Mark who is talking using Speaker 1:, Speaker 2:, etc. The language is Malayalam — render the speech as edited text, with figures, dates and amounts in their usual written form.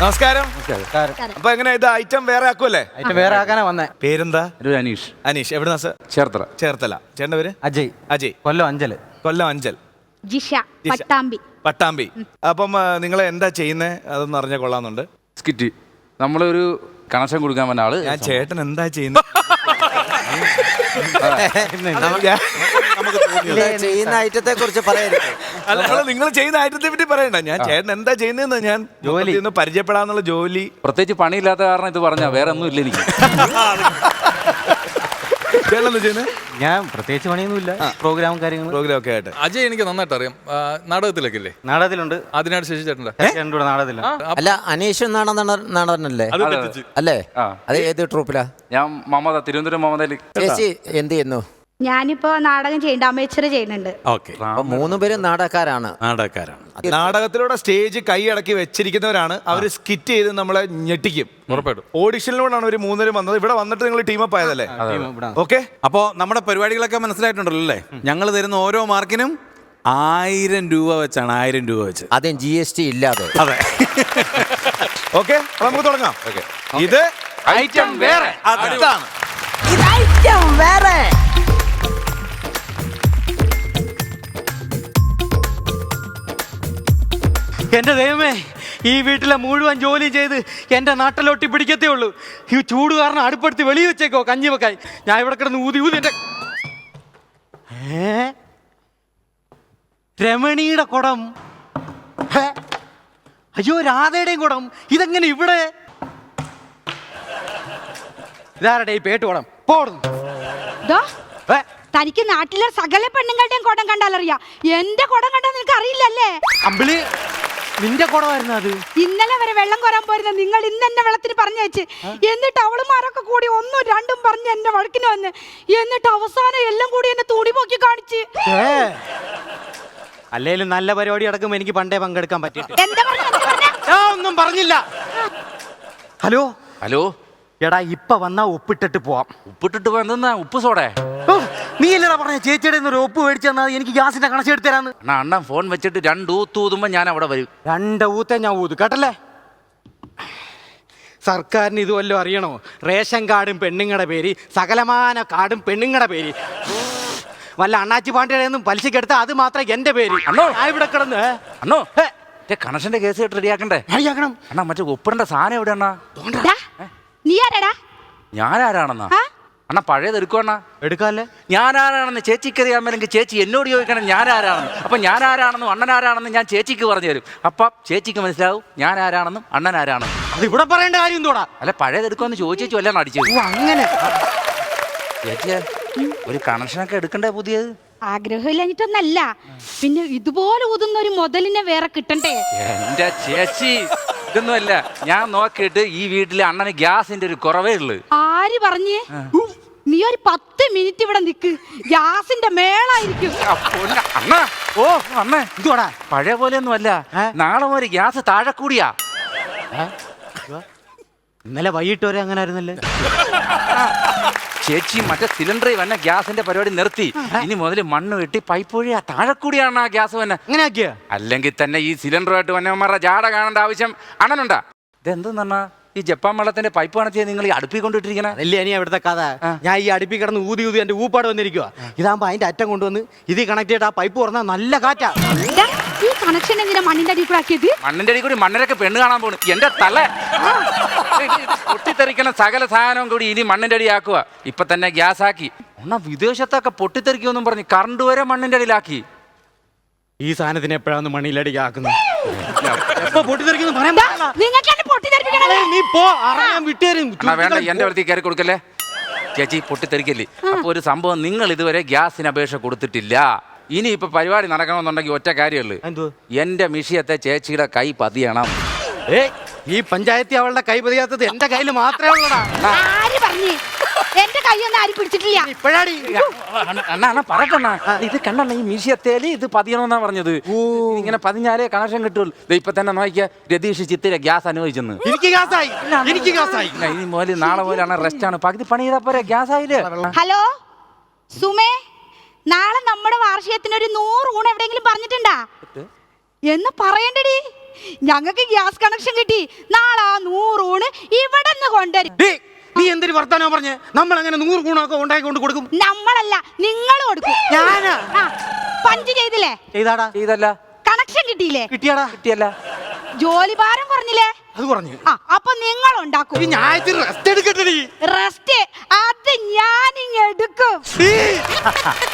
Speaker 1: നമസ്കാരം. അപ്പൊ എങ്ങനെ ഇത് ഐറ്റം വേറെ ആക്കുമല്ലേ?
Speaker 2: ഐറ്റം വേറെ ആക്കാനാ വന്നേ.
Speaker 1: പേരെന്താ?
Speaker 3: അനീഷ്.
Speaker 1: അനീഷ്. എവിടുന്നാ സർ?
Speaker 3: ചേർത്തല.
Speaker 1: ചേർത്തല. ചേട്ടന്റെ പേര്?
Speaker 2: അജയ്.
Speaker 1: അജയ്.
Speaker 2: കൊല്ലം അഞ്ചൽ.
Speaker 1: കൊല്ലം അഞ്ചൽ.
Speaker 4: ജിഷ പട്ടാമ്പി.
Speaker 1: പട്ടാമ്പി. അപ്പം നിങ്ങൾ എന്താ ചെയ്യുന്നത് അതൊന്നും അറിഞ്ഞ കൊള്ളാന്നുണ്ട്.
Speaker 3: സ്കിറ്റ് നമ്മളൊരു കണക്ഷൻ കൊടുക്കാൻ വന്ന ആള്.
Speaker 1: ഞാൻ ചേട്ടൻ എന്താ ചെയ്യുന്നത്
Speaker 5: ചെയ്യുന്ന ഐറ്റത്തെ കുറിച്ച് പറയരുത്.
Speaker 1: നിങ്ങൾ ചെയ്യുന്ന ഐറ്റത്തെ പറ്റി പറയണ്ട. ഞാൻ ചേട്ടൻ എന്താ ചെയ്യുന്നതെന്ന് ഞാൻ ജോലി പരിചയപ്പെടാന്നുള്ള ജോലി.
Speaker 3: പ്രത്യേകിച്ച് പണിയില്ലാത്ത കാരണം ഇത് പറഞ്ഞ വേറെ ഒന്നും ഇല്ല എനിക്ക്.
Speaker 2: ഞാൻ പ്രത്യേകിച്ച് പണിയൊന്നുമില്ല. പ്രോഗ്രാമും കാര്യങ്ങളും
Speaker 1: പ്രോഗ്രാം ഒക്കെ ആയിട്ട്.
Speaker 6: അജയ് എനിക്ക് നന്നായിട്ട് അറിയാം. നാടകത്തിലൊക്കെ ഇല്ലേ?
Speaker 2: നാടകത്തിലുണ്ട്.
Speaker 6: അതിനായിട്ട് ശശി ചേട്ടൻ്റെ
Speaker 2: നാടകത്തിലുണ്ട്.
Speaker 5: അല്ല, അനീഷ് നാടകനല്ലേ? അല്ലേ? അത് ഏത് ട്രൂപ്പിലാ?
Speaker 3: ഞാൻ മമത, തിരുവനന്തപുരം മമതയിൽ.
Speaker 5: ചേച്ചി എന്ത് ചെയ്യുന്നു?
Speaker 4: ഞാനിപ്പോ നാടകം ചെയ്യുന്നുണ്ട്, അമേച്ചർ ചെയ്യുന്നുണ്ട്.
Speaker 1: ഓക്കെ.
Speaker 5: മൂന്ന് പേരും നാടകക്കാരാണ്.
Speaker 1: നാടകത്തിലൂടെ സ്റ്റേജ് കൈയടക്കി വെച്ചിരിക്കുന്നവരാണ്. അവർ സ്കിറ്റ് ചെയ്ത് നമ്മളെ ഞെട്ടിക്കും.
Speaker 6: ഉറപ്പായിട്ടും.
Speaker 1: ഓഡിഷനിലൂടെയാണ് ഒരു മൂന്നുപേരും വന്നത്. ഇവിടെ വന്നിട്ട് നിങ്ങൾ ടീമപ്പ് ആയതല്ലേ? ഓക്കെ.
Speaker 7: അപ്പോൾ നമ്മുടെ പരിപാടികളൊക്കെ മനസ്സിലായിട്ടുണ്ടല്ലോ അല്ലേ? ഞങ്ങൾ തരുന്ന ഓരോ മാർക്കിനും 1000 രൂപ വെച്ചാണ്. 1000 രൂപ വെച്ച്,
Speaker 5: അതും GST ഇല്ലാതെ.
Speaker 7: അതെ.
Speaker 1: ഓക്കെ, നമുക്ക് തുടങ്ങാം. ഇത്
Speaker 3: ഐറ്റം വേറെ.
Speaker 1: അതാണ്.
Speaker 2: എന്റെ ദൈവമേ, ഈ വീട്ടിലെ മുഴുവൻ ജോലി ചെയ്ത് എന്റെ നാട്ടിലൊട്ടി പിടിക്കത്തേ ഉള്ളൂ. ഈ ചൂട് കാരണം അടുപ്പെടുത്ത് വെളിയിൽ വെച്ചേക്കോ കഞ്ഞി വെക്കായി. ഞാൻ ഇവിടെ കിടന്ന് ഊതി ഊതി എന്റെ രമണിയുടെ കുടം. അയ്യോ, രാധയുടെയും കുടം. ഇതെങ്ങനെ ഇവിടെ? ഇതാരുടെ ഈ പേട്ട് കുടം? പോടുന്നു.
Speaker 4: തനിക്ക് നാട്ടിലെ സകല പെണ്ണുങ്ങളുടെയും കുടം കണ്ടാലറിയാം. എന്റെ കുടം കണ്ടാൽ നിനക്ക് അറിയില്ലല്ലേ?
Speaker 2: അമ്പിളി, നിന്റെ കുടമായിരുന്നു അത്.
Speaker 4: ഇന്നലെ വരെ വെള്ളം കോരാൻ പോരുന്ന നിങ്ങൾ ഇന്ന് എന്നെ വെള്ളത്തിന് പറഞ്ഞു വെച്ച്, എന്നിട്ട് അവളുമാരൊക്കെ കൂടി 1ഉം 2ഉം പറഞ്ഞ് എന്നെ വഴക്കിന് വന്ന്, എന്നിട്ട് അവസാനം എല്ലാം കൂടി എന്നെ തൂടി പോക്കി കാണിച്ച്.
Speaker 2: അല്ലേലും നല്ല പരിപാടി അടക്കം എനിക്ക് പണ്ടേ പങ്കെടുക്കാൻ പറ്റിയിട്ട്.
Speaker 4: എന്താ പറഞ്ഞ?
Speaker 2: ഞാൻ ഒന്നും പറഞ്ഞില്ല. Hello
Speaker 3: hello.
Speaker 2: എടാ, ഇപ്പൊ വന്നാ ഒപ്പിട്ടിട്ട് പോവാം.
Speaker 3: ഉപ്പിട്ടിട്ട് പോയെന്നാ? ഉപ്പ് സോടേ?
Speaker 2: നീ അല്ലടാ പറഞ്ഞ ചേച്ചിയുടെ ഒരു ഒപ്പ് മേടിച്ചു തന്നാൽ എനിക്ക് ഗ്യാസിന്റെ കണക്ഷൻ എടുത്തു തരാന്ന്.
Speaker 3: അണ്ണൻ ഫോൺ വെച്ചിട്ട് 2 ഊത്ത് ഊതുമ്പോ ഞാൻ അവിടെ വരും.
Speaker 2: 2 ഊത്തേ ഞാൻ ഊതു, കേട്ടല്ലേ? സർക്കാരിന് ഇത് വല്ലതും അറിയണോ? റേഷൻ കാർഡും പെണ്ണുങ്ങളുടെ പേര്, സകലമാന കാർഡും പെണ്ണുങ്ങളുടെ പേര്. വല്ല അണ്ണാച്ചി പാണ്ടിയുടെ ഒന്നും പലിശക്ക് എടുത്താൽ അത് മാത്രം എന്റെ പേര്.
Speaker 3: അണ്ണോ,
Speaker 2: ഇവിടെ കിടന്ന്
Speaker 3: അണ്ണോ കണക്ഷന്റെ കേസ് കേട്ട് റെഡിയാക്കണ്ടേ? അണ്ണാ, മറ്റേ ഒപ്പിടേണ്ട സാധനം എവിടെ അണ്ണാ?
Speaker 4: നീ ആരാടാ?
Speaker 3: ഞാനാരാണെന്നാ? അണ്ണാ, പഴയത് എടുക്കുവണ്ണ.
Speaker 2: എടുക്കാല്ലേ?
Speaker 3: ഞാനാരാണെന്ന് ചേച്ചിക്ക് അറിയാമെങ്കിൽ ചേച്ചി എന്നോട് ചോദിക്കണം ഞാനാരാണെന്ന്. അപ്പൊ ഞാനാരാണെന്നും അണ്ണനാരാണെന്നും ഞാൻ ചേച്ചിക്ക് പറഞ്ഞു തരും. അപ്പൊ ചേച്ചിക്ക് മനസ്സിലാവും ഞാനാരാണെന്നും അണ്ണനാരാണെന്നും.
Speaker 2: അത് ഇവിടെ പറയേണ്ട കാര്യം എന്തോടാ?
Speaker 3: അല്ല, പഴയത് എടുക്കുമെന്ന് ചോദിച്ചു എല്ലാം അടിച്ചു.
Speaker 2: അങ്ങനെ
Speaker 3: ചേച്ചിയെ, ഒരു കണക്ഷനൊക്കെ എടുക്കണ്ടേ പുതിയത്?
Speaker 4: ആഗ്രഹമില്ലാഞ്ഞിട്ടൊന്നല്ല, പിന്നെ ഇതുപോലെ ഊതുന്ന ഒരു മുതലിനെ വേറെ കിട്ടണ്ടേ?
Speaker 3: എന്റെ ചേച്ചി, ഇതൊന്നുമല്ല. ഞാൻ നോക്കിയിട്ട് ഈ വീട്ടിലെ അണ്ണന് ഗ്യാസിന്റെ ഒരു കുറവേ ഉള്ളു.
Speaker 4: ആര് പറഞ്ഞേ? നീ ഒരു 10 മിനിറ്റ് ഇവിടെ നിക്ക്, ഗ്യാസിന്റെ മേളായിരിക്കും.
Speaker 3: അണ്ണ, ഓ അണ്ണ, ഇതോടാ പഴയ പോലെ ഒന്നും അല്ല. നാളെ ഒരു ഗ്യാസ് താഴെ കൂടിയാ.
Speaker 2: ഇന്നലെ വൈകിട്ട് വരെ അങ്ങനെ ആയിരുന്നല്ലേ?
Speaker 3: ചേച്ചി, മറ്റേ സിലിണ്ടറിൽ വന്ന ഗ്യാസിന്റെ പരിപാടി നിർത്തി. ഇനി മുതൽ മണ്ണ് വെട്ടി പൈപ്പ് വഴി താഴെ കൂടിയാണ് ആ ഗ്യാസ് വന്നെ.
Speaker 2: അങ്ങനെ ആക്കിയ?
Speaker 3: അല്ലെങ്കിൽ തന്നെ ഈ സിലിണ്ടറുമായിട്ട് വന്നവന്മാരുടെ ജാട കാണേണ്ട ആവശ്യം അണ്ണനുണ്ടാ? ഇതെന്തെന്ന് പറഞ്ഞാ ഈ ജപ്പാൻ വെള്ളത്തിന്റെ പൈപ്പ് കണക്ട് നിങ്ങൾ ഈ അടുപ്പിൽ കൊണ്ടിട്ടിരിക്കണ?
Speaker 2: അല്ലേ ഇനി അവിടുത്തെ കഥ. ഞാൻ ഈ അടുപ്പിൽ കിടന്ന് ഊതി ഊതി എന്റെ ഊപ്പാട് വന്നിരിക്കുക. ഇതാകുമ്പോ അതിന്റെ അറ്റം കൊണ്ടുവന്ന് ഇത് കണക്ട് ചെയ്തിട്ട് ആ പൈപ്പ് തുറന്നാൽ നല്ല കാറ്റാ.
Speaker 4: ഈ കണക്ഷൻ എങ്ങനെ മണ്ണിന്റെ അടിയിൽ കൂടെ ആക്കിയത്?
Speaker 3: മണ്ണിന്റെ അടിയിൽ കൂടി മണ്ണരൊക്കെ പെണ്ണ് കാണാൻ പോണു. എന്റെ തല പൊട്ടിത്തെറിക്കണ സകല സാധനവും കൂടി ഇനി മണ്ണിന്റെ അടി ആക്കുക. ഇപ്പൊ തന്നെ ഗ്യാസ് ആക്കി. ഒന്നാ വിദേശത്തൊക്കെ പൊട്ടിത്തെറിക്കുമെന്നും പറഞ്ഞ് കറണ്ട് വരെ മണ്ണിന്റെ അടിയിലാക്കി.
Speaker 2: ഈ സാധനത്തിന് എപ്പോഴാണ് മണ്ണിലടിക്ക് ആക്കുന്നത്?
Speaker 3: വേണ്ട, എന്റെ അടുത്തേക്ക് കയറി കൊടുക്കല്ലേ ചേച്ചി, പൊട്ടിത്തെറിക്കല്ലേ. അപ്പൊ ഒരു സംഭവം, നിങ്ങൾ ഇതുവരെ ഗ്യാസിന് അപേക്ഷ കൊടുത്തിട്ടില്ല. ഇനി ഇപ്പൊ പരിപാടി നടക്കണമെന്നുണ്ടെങ്കിൽ ഒറ്റ കാര്യമുള്ളൂ, എന്റെ മിഷിയത്തെ ചേച്ചിയുടെ കൈ പതിയണം.
Speaker 2: ഈ പഞ്ചായത്തിൽ അവളുടെ കൈ പതിയാത്തത് എന്റെ കയ്യിൽ മാത്രമേ ഉള്ളൂ.
Speaker 4: എന്റെ കൈയൊന്നും ആരും പിടിച്ചിട്ടില്ല.
Speaker 2: ഇപ്പോഴാടി
Speaker 3: പറക്കണ്ണ, ഇത് കണ്ണ ഈ മീശത്തേല് ഇത് പതിയണമെന്നാ പറഞ്ഞത്. ഇങ്ങനെ പതിഞ്ഞാലേ കണക്ഷൻ കിട്ടുള്ളൂ. ഇപ്പൊ തന്നെ നോക്കിയ രതീഷ് ചിത്തിര ഗ്യാസ് അനുവദിച്ചെന്ന്.
Speaker 2: എനിക്ക് ഗ്യാസായി.
Speaker 3: ഇനി മുതൽ നാളെ മുതലാണ് റെസ്റ്റ് ആണ്. പകുതി പണി ചെയ്താ പോരെ, ഗ്യാസ് ആയില്ലേ?
Speaker 4: ഹലോ സുമേ, നാളെ നമ്മുടെ വാർഷികത്തിന് ഒരു 100 ഊണ് എവിടെയെങ്കിലും പറഞ്ഞിട്ടുണ്ടാ എന്ന് പറയണ്ടടി. ഞങ്ങൾക്ക് ഗ്യാസ് കണക്ഷൻ കിട്ടി. നാളെ 100 ഊണ് ഇവിടെ നിന്ന് കൊണ്ടുവരും.
Speaker 2: ഡേയ്, നീ എന്തൊരു വർത്താനോ പറഞ്ഞ് നമ്മൾ അങ്ങനെ 100 ഗുണമൊക്കെ ഉണ്ടാക്കി കൊണ്ട് കൊടുക്കും?
Speaker 4: നമ്മളല്ല, നിങ്ങൾ കൊടുക്കും.
Speaker 2: ഞാനാ
Speaker 4: പഞ്ച് ചെയ്തില്ലേ?
Speaker 2: ചെയ്താടാ.
Speaker 3: ചെയ്തല്ല.
Speaker 4: കണക്ഷൻ കിട്ടിയില്ലേ?
Speaker 2: കിട്ടിയാടാ.
Speaker 3: കിട്ടിയല്ല.
Speaker 4: ജോലി ഭാരം കുറഞ്ഞില്ലേ?
Speaker 2: അത് പറഞ്ഞു.
Speaker 4: അപ്പൊ നിങ്ങൾ ഉണ്ടാക്കും.
Speaker 2: ഞാൻ റെസ്റ്റ് എടുക്കട്ടെ.
Speaker 4: റെസ്റ്റ് അത് ഞാനിങ് എടുക്കും.